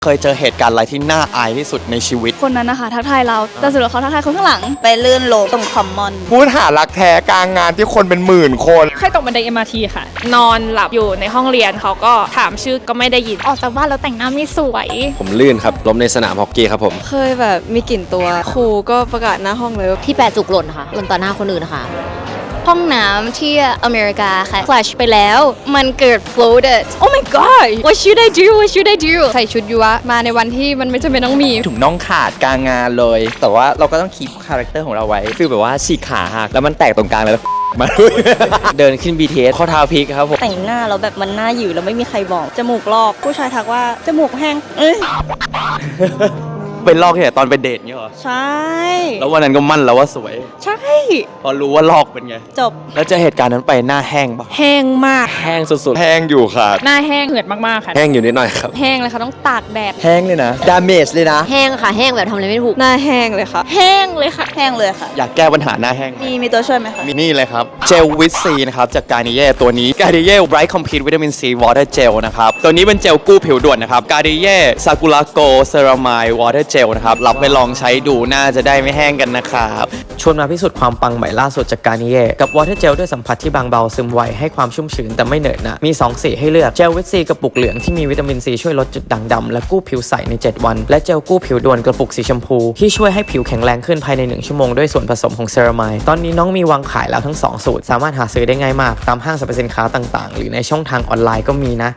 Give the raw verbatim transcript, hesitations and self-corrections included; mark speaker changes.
Speaker 1: เคยเจอเหตุการณ์อะไรที่น่าอายที่สุดในชีวิต
Speaker 2: คนนั้นนะคะทักทายเราแต่สุดแล้วเขาทักทายคนข้างหลัง
Speaker 3: ไปลื่นโลตรงคอมมอน
Speaker 4: พูดหารักแท้กลางงานที่คนเป็นหมื่นคน
Speaker 5: เคยตกบันได เอ็ม อาร์ ที ค่ะนอนหลับอยู่ในห้องเรียนเขาก็ถามชื่อก็ไม่ได้ยิน
Speaker 2: ออกจากบ้านแล้วแต่งหน้าไม่สวย
Speaker 6: ผมลื่นครับล้มในสนามฮอกกี้ครับผม
Speaker 7: เคยแบบมีกลิ่นตัวครูก็ประกาศหน้าห้องเลย
Speaker 8: ที่แปะจุกหล่นค่ะหล่นต่อหน้าคนอื่นนะคะ
Speaker 2: ห้องน้ำที่อเมริกาค่ะ flash ไปแล้วมันเกิด floated oh my god what should I do what should I do
Speaker 7: ใส่ชุดยูวะมาในวันที่มันไม่จำเป็นต้องมี
Speaker 1: ถุงน่องขาดกลางงานเลยแต่ว่าเราก็ต้องคีปคาแรคเตอร์ของเราไว้ฟีลแบบว่าฉีกขาหักแล้วมันแตกตรงกลางเลยมาเดินขึ้น บี ที เอส ข้อเท้าพลิกครับผม
Speaker 3: แต่งหน้าแล้วแบบมันหน้าหยิวแล้วไม่มีใครบอกจมูกลอกผู้ชายทักว่าจมูกแห้งเอ้ย
Speaker 1: เป็นลอกเนี่ยตอนไปเดทเนี่ยเหรอ
Speaker 3: ใช่
Speaker 1: แล้ววันนั้นก็มั่นแล้วว่าสวย
Speaker 3: ใช่
Speaker 1: พอรู้ว่าลอกเป็นไง
Speaker 3: จบ
Speaker 1: แล้วเจอเหตุการณ์นั้นไปหน้าแห้งปะ
Speaker 5: แห้งมาก
Speaker 1: แห้งสุดๆ
Speaker 4: แห้งอยู่ค่ะ
Speaker 5: หน้าแห้งเหือดมากๆค่ะ
Speaker 6: แห้งอยู่นิดหน่อยครับ
Speaker 5: แห้งเลยค่ะต้องตากแดด
Speaker 1: แห้งเลยนะดาเมจเลยนะ
Speaker 8: แห้งค่ะแห้งแบบทำอะไรไม่ถูก
Speaker 7: หน้าแห้งเลยค่ะ
Speaker 5: แห้งเลยค่ะ
Speaker 3: แห้งเลยค่ะ
Speaker 1: อยากแก้ปัญหาหน้าแห้ง
Speaker 3: มีมีตัวช่วยไหมคะ
Speaker 1: มีนี่เลยครับเจลวิตซีนะครับจากการนิเย่ตัวนี้การนิเย่ไบรท์คอมพลีทวิตามินซีวอเตอร์เจลนะครับตัวนี้เป็นเจลกู้ผิวด่วนนะครับการนิเย่ซากุระโกเซรามายวอเตอร์เจลนะครับรับไปลองใช้ดูน่าจะได้ไม่แห้งกันนะครับชวนมาพิสูจน์ความปังใหม่ล่าสุดจากการนิเย่กับวอเตอร์เจลด้วยสัมผัสที่บางเบาซึมไวให้ความชุ่มชื้นแต่ไม่เหนอะหนะมีสองสีให้เลือกเจลวิตซีกระปุกเหลืองที่มีวิตามินซีช่วยลดจุดด่างดำและกู้ผิวใสในเจ็ดวันและเจลกู้ผิวด่วนกระปุกสีชมพูที่ช่วยให้ผิวแข็งแรงขึ้นภายในหนึ่งชั่วโมงด้วยส่วนผสมของเซรามายตอนนี้น้องมีวางขายแล้วทั้งสองสูตรสามารถหาซื้อได้ง่ายมากตามห้างสรรพสินค้าต่างๆหรือในช่องทางออนไลน์ก็มีนะ